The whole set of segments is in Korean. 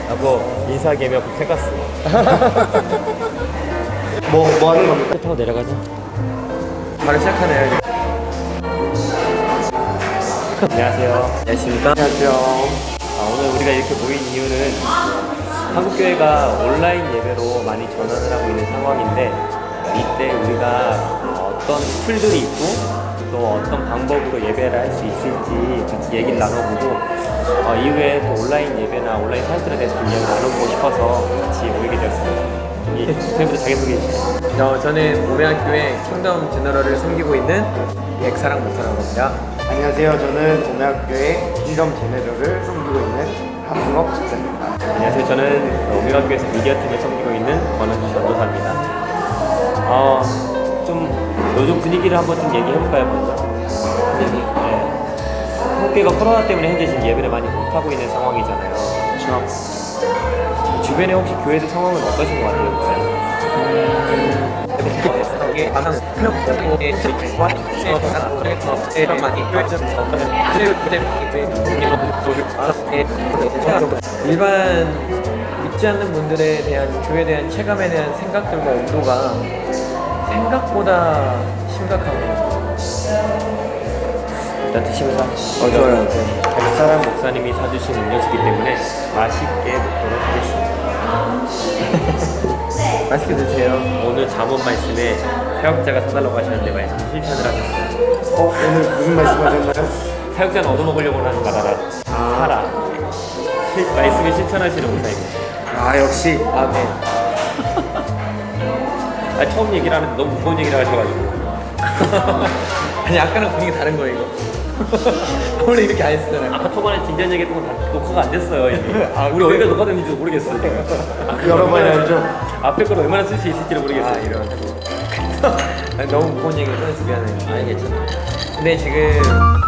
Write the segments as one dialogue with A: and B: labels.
A: 라고 인사하기면 해갔어.
B: 뭐 하는 겁니까?
A: 타고 내려가자.
B: 바로 시작하네요.
A: 안녕하세요. 안녕하십니까?
B: 안녕하세요.
A: 오늘 우리가 이렇게 모인 이유는 한국교회가 온라인 예배로 많이 전환을 하고 있는 상황인데, 이때 우리가 어떤 툴들이 있고 또 어떤 방법으로 예배를 할 수 있을지 같이 얘기를 나눠보고, 이후에 또 온라인 예배나 온라인 사역들에 대해서 좀 이야기 나눠보고 싶어서 같이 모이게 되었습니다. 선생님부터 자기소개 해주세요.
B: 저는 오매학교의 킹덤 제너럴을 섬기고 있는 백사랑 목사라고 합니다.
C: 안녕하세요. 저는 오매학교의 킹덤 제네럴을 섬기고 있는 하승업 집사입니다.
A: 안녕하세요. 저는 오메가교에서 미디어팀을 섬기고 있는 권은주 전도사입니다. 좀 요즘 분위기를 한번 좀 얘기해볼까요, 먼저? 분위기? 네. 한국교회가 코로나 때문에 현재 지금 예배를 많이 못하고 있는 상황이잖아요.
C: 그렇죠.
A: 주변에 혹시 교회들 상황은 어떠신 것 같아요, 목사님?
B: 일반 믿지 않는 분들에 대한 교회에 대한 체감에 대한 생각들과 온도가 생각보다 심각하고.
A: 일단 드시면서
B: 좋아요.
A: 백사랑 목사님이 사주신 음료수기 때문에 맛있게 먹도록 하겠습니다.
B: 맛있게 드세요.
A: 오늘 잠언 말씀에 사역자가 사달라고 하셨는데 말씀 실천을 하셨어요.
C: 오늘 무슨 말씀하셨나요?
A: 사역자는 얻어먹으려고 하는 바다라 사라. 말씀을 실천하시는 목사입니다.
C: 역시.
B: 아멘.
A: 처음 얘기를 하는데 너무 무거운 얘기를 하셔가지고.
B: 아니 아까랑 분위기 다른 거예요 이거. 원래 이렇게 안 했었잖아요.
A: 아까 초반에 진지한 얘기 했던 건 다 녹화가 안 됐어요. 이미. 우리 어디가 녹화됐는지도 모르겠어요. 지금.
C: 여러 번 알죠?
A: 앞에 걸 얼마나 쓸 수 있을지를 모르겠어요.
B: 이런. 아니, 너무 무거운 얘기를 꺼내서 미안해요.
A: 아니 괜찮아.
B: 근데 지금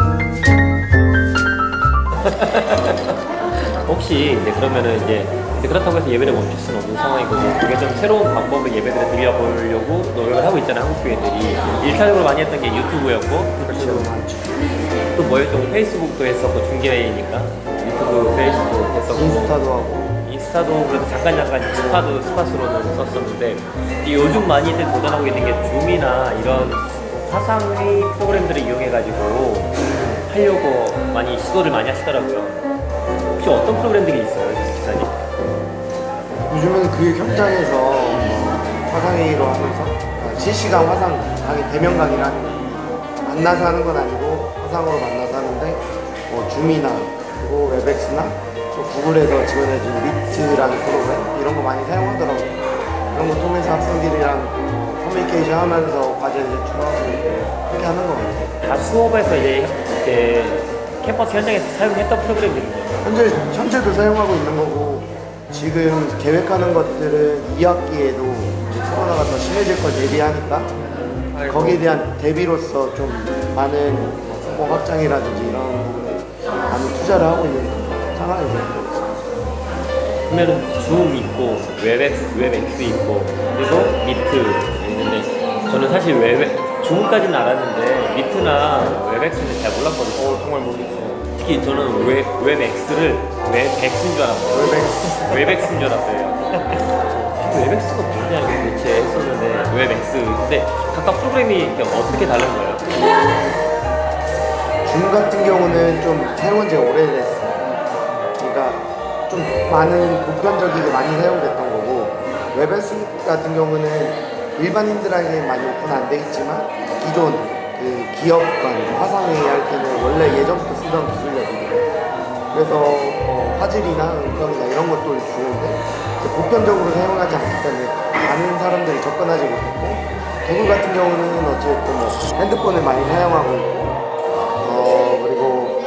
A: 혹시 이제 그러면은 이제 그렇다고 해서 예배를 멈출 수는 없는 상황이고, 우리가 좀 새로운 방법으로 예배들을 드려보려고 노력을 하고 있잖아요, 한국 교회들이. 일차적으로 많이 했던 게 유튜브였고,
C: 그렇죠.
A: 또 뭐였죠? 페이스북도 했었고, 중계니까 유튜브, 페이스북 했었고,
C: 인스타도 하고.
A: 인스타도 그래도 잠깐 스팟으로는 썼었는데, 이 요즘 많이들 도전하고 있는 게 줌이나 이런 화상회의 프로그램들을 이용해가지고 하려고 많이 시도를 많이 하시더라고요. 혹시 어떤 프로그램들이 있어요, 기사님?
C: 요즘에는 그 현장에서 화상회의로 하면서 실시간 화상 강의 대면 강의라는, 만나서 하는 건 아니고 화상으로 만나서 하는데, 줌이나 그리고 웹엑스나 또 구글에서 지원해준 미트라는 프로그램 이런 거 많이 사용하더라고요. 그런 거 통해서 학생들이랑 커뮤니케이션 하면서 과제 제출하고 그렇게 하는 거 같아요.
A: 다 수업에서 이제 캠퍼스 현장에서 사용했던 프로그램들이네요.
C: 현재도 사용하고 있는 거고, 지금 계획하는 것들은 2학기에도 코로나가 더 심해질 걸 대비하니까 거기에 대한 대비로서 좀 많은 성공 확장이라든지 이런 부분에 많은 투자를 하고 있는 상황이죠.
A: 그러면은 줌 있고 웹엑스 있고 그리고 미트 있는데, 저는 사실 줌까지는 알았는데 미트나 웹엑스는 잘 몰랐거든요.
C: 정말 모르겠어요.
A: 특히 저는 웹엑스를 웹엑스인 줄 알았어요. 웹엑스인 줄 알았어요. 웹엑스가 뭐냐 이게 도대체 했었는데 웹엑스. 근데 각각 프로그램이 이렇게 어떻게 다른 거예요?
C: 줌 같은 경우는 좀 사용한 지가 오래됐어요. 그러니까 좀 많은 보편적이게 많이 사용됐던 거고, 웹엑스 같은 경우는 일반인들에게 많이 오픈 안 돼 있지만 기존 그 기업 간 화상회의 할 때는 원래 예전부터 쓰던 기술력이에요. 그래서 화질이나 음성이나 이런 것도 좋은데 보편적으로 사용하지 않기 때문에 많은 사람들이 접근하지 못했고, 구글 같은 경우는 어쨌든 핸드폰을 많이 사용하고 있고, 그리고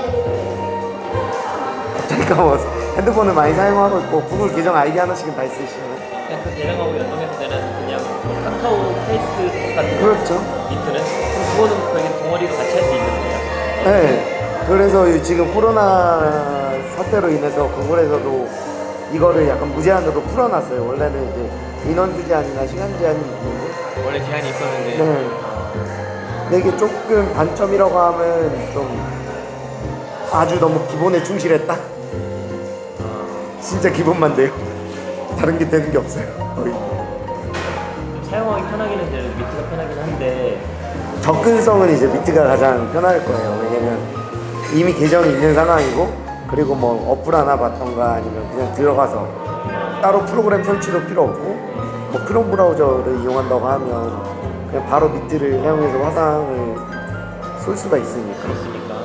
C: 갑자기 까먹었어. 핸드폰을 많이 사용하고 있고, 구글 계정 아이디 하나씩은 다 있으시잖아요.
A: 그냥 그 계정하고 연동해서 되는 그냥 카카오 페이스북 같은 거.
C: 그렇죠.
A: 미트는? 그럼 그거는 거의 동아리로 같이 할 수 있는 거예요?
C: 네. 그래서 지금 코로나 사태로 인해서 구글에서도 이거를 약간 무제한으로 풀어놨어요. 원래는 이제 인원 제한이나 시간 제한이 있는데.
B: 원래 제한이 있었는데.
C: 네. 근데 이게 조금 단점이라고 하면 좀 아주 너무 기본에 충실했다. 진짜 기본만 돼요. 다른 게 되는 게 없어요. 거의.
A: 사용하기 편하기는 이제 미트가 편하긴 한데
C: 접근성은 이제 미트가 가장 편할 거예요. 왜냐면 이미 계정이 있는 상황이고, 그리고 뭐 어플 하나 받던가 아니면 그냥 들어가서 따로 프로그램 설치도 필요 없고, 뭐 크롬 브라우저를 이용한다고 하면 그냥 바로 미트를 사용해서 화상을 쏠 수가 있으니까.
A: 그렇으니까.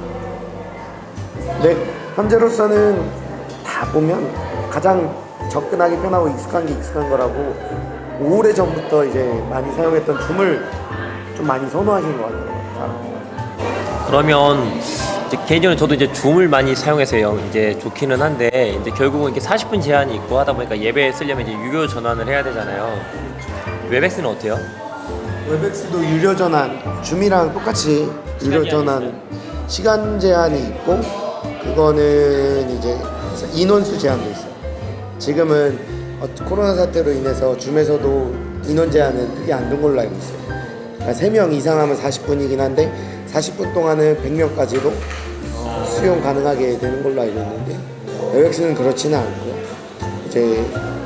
C: 네, 현재로서는 다 보면 가장 접근하기 편하고 익숙한 게 익숙한 거라고 오래 전부터 이제 많이 사용했던 줌을 좀 많이 선호하시는 것 같아요.
A: 그러면 이제 개인적으로 저도 이제 줌을 많이 사용해서요. 이제 좋기는 한데 이제 결국은 이렇게 40분 제한이 있고 하다 보니까 예배 쓰려면 이제 유료 전환을 해야 되잖아요. 웹엑스는 어때요?
C: 웹엑스도 유료 전환, 줌이랑 똑같이 유료 전환 시간 제한이 있고, 그거는 이제 인원수 제한도 있어요. 지금은 코로나 사태로 인해서 줌에서도 인원 제한은 크게 안 둔 걸로 알고 있어요. 그러니까 3명 이상 하면 40분이긴 한데 40분 동안은 100명까지도 수용 가능하게 되는 걸로 알고 있는데, 웹엑스는 그렇지는 않고요. 이제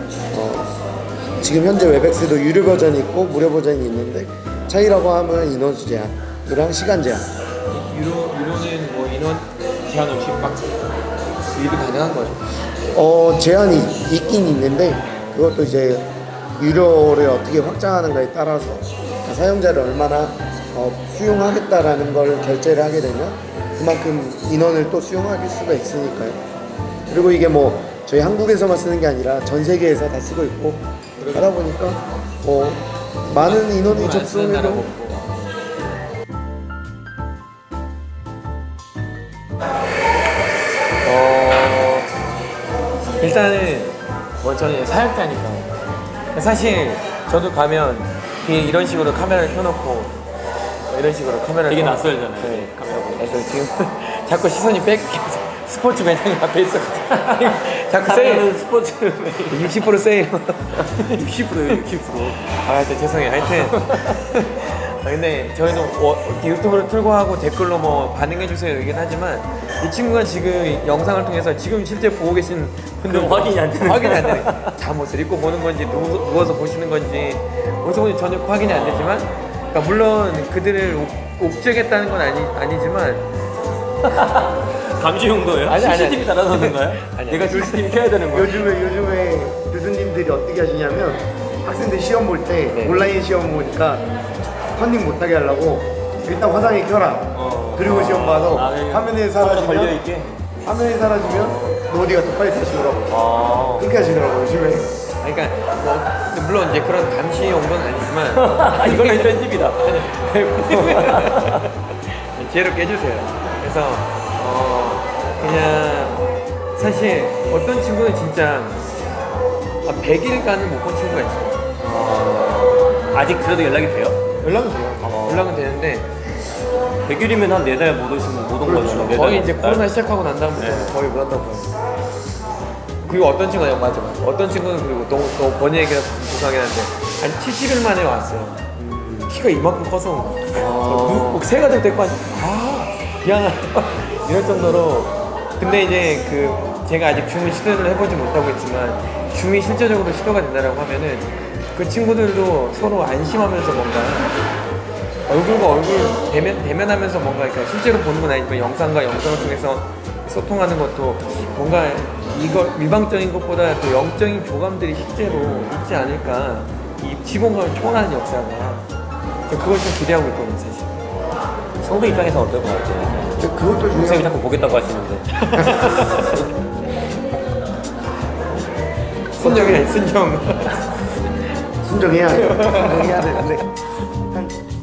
C: 지금 현재 웹엑스도 유료 버전이 있고 무료 버전이 있는데, 차이라고 하면 인원수 제한이랑 시간 제한.
B: 유료는 뭐 인원 제한 없이 막 유입이 가능한 거죠.
C: 제한이 있긴 있는데, 그것도 이제 유료를 어떻게 확장하는가에 따라서 사용자를 얼마나 수용하겠다라는 걸 결제를 하게 되면 그만큼 인원을 또 수용할 수가 있으니까요. 그리고 이게 뭐 저희 한국에서만 쓰는 게 아니라 전 세계에서 다 쓰고 있고 하다 보니까 많은 인원이 접속해도
B: 일단은 뭐 저는 사역자니까 사실 저도 가면 뒤에 이런 식으로 카메라를 켜놓고 이런 식으로 카메라를
A: 되게
B: 켜놓고
A: 낯설잖아요.
B: 네.
A: 카메라 보고.
B: 그래서 지금 자꾸 시선이 뺏겨서 스포츠 매장 앞에 있어. 자꾸
A: 카메라는
B: 세일
A: 스포츠
B: 60% 세일.
A: 60%예요, 60%.
B: 하여튼 죄송해요. 하여튼 근데 저희도 유튜브를 틀고 하고 댓글로 뭐 반응해주세요 이긴 하지만 이 친구가 지금 영상을 통해서 지금 실제 보고 계신 분들은
A: 확인이 안 되는
B: 확인이 안 되네. 잠옷을 입고 보는 건지 누워서 보시는 건지 어디서 보는지 전혀 확인이 안 되지만, 그러니까 물론 그들을 옥죄겠다는 건 아니지만
A: 감시 용도예요?
B: 아니, 아니,
A: CCTV 달아놓는 거예요?
B: 아니.
A: 내가 CCTV 켜야 되는 거야?
C: 요즘에 교수님들이 어떻게 하시냐면, 학생들 시험 볼 때
B: 네.
C: 온라인 시험 보니까 컨닝 못하게 하려고 일단 화상에 켜라. 그리고 시험 봐서 화면에 사라지면
A: 걸려있게?
C: 화면에 사라지면 너 어디 가서 빨리 다시 오라고. 그렇게 하시더라고요 요즘에.
B: 그러니까 뭐 물론 이제 그런 감시 용도는 아니지만
A: 이거는 편집이다.
B: 지혜롭게 해주세요. 그래서 그냥 사실 어떤 친구는 진짜 100일간은 못 본 친구가 있어요.
A: 아직 그래도 연락이 돼요?
B: 연락은 돼요. 연락은 되는데
A: 100일이면 한 4달 못 오시면 못 온 거잖아요. 네
B: 거의
A: 달,
B: 이제
A: 네 달.
B: 코로나 시작하고 난 다음부터
A: 네.
B: 거의 못 왔다고 봐요. 그리고 어떤 친구는 맞아. 어떤 친구는 그리고 너무 본의 얘기가 죄송하긴 한데 한 70일 만에 왔어요. 키가 이만큼 커서 온 거야. 꼭 새가 될 때까지 미안하다 이럴 정도로. 근데 이제 제가 아직 줌을 시도를 해보지 못하고 있지만 줌이 실제적으로 시도가 된다라고 하면은 그 친구들도 서로 안심하면서 뭔가 얼굴과 얼굴 대면하면서 뭔가 이렇게 실제로 보는 건 아니지만 영상과 영상을 통해서 소통하는 것도 뭔가 이거 일방적인 것보다 또 영적인 교감들이 실제로 있지 않을까. 이 지붕감을 초월하는 역사가. 그걸 좀 기대하고 있거든요, 사실.
A: 성도 입장에서 어떨 것 같아요?
C: 그것도
A: 동생이
C: 중요해요.
A: 자꾸 보겠다고 하시는데.
B: 순정이야, 순정.
C: 순정해야 돼요. 순정해야 되는데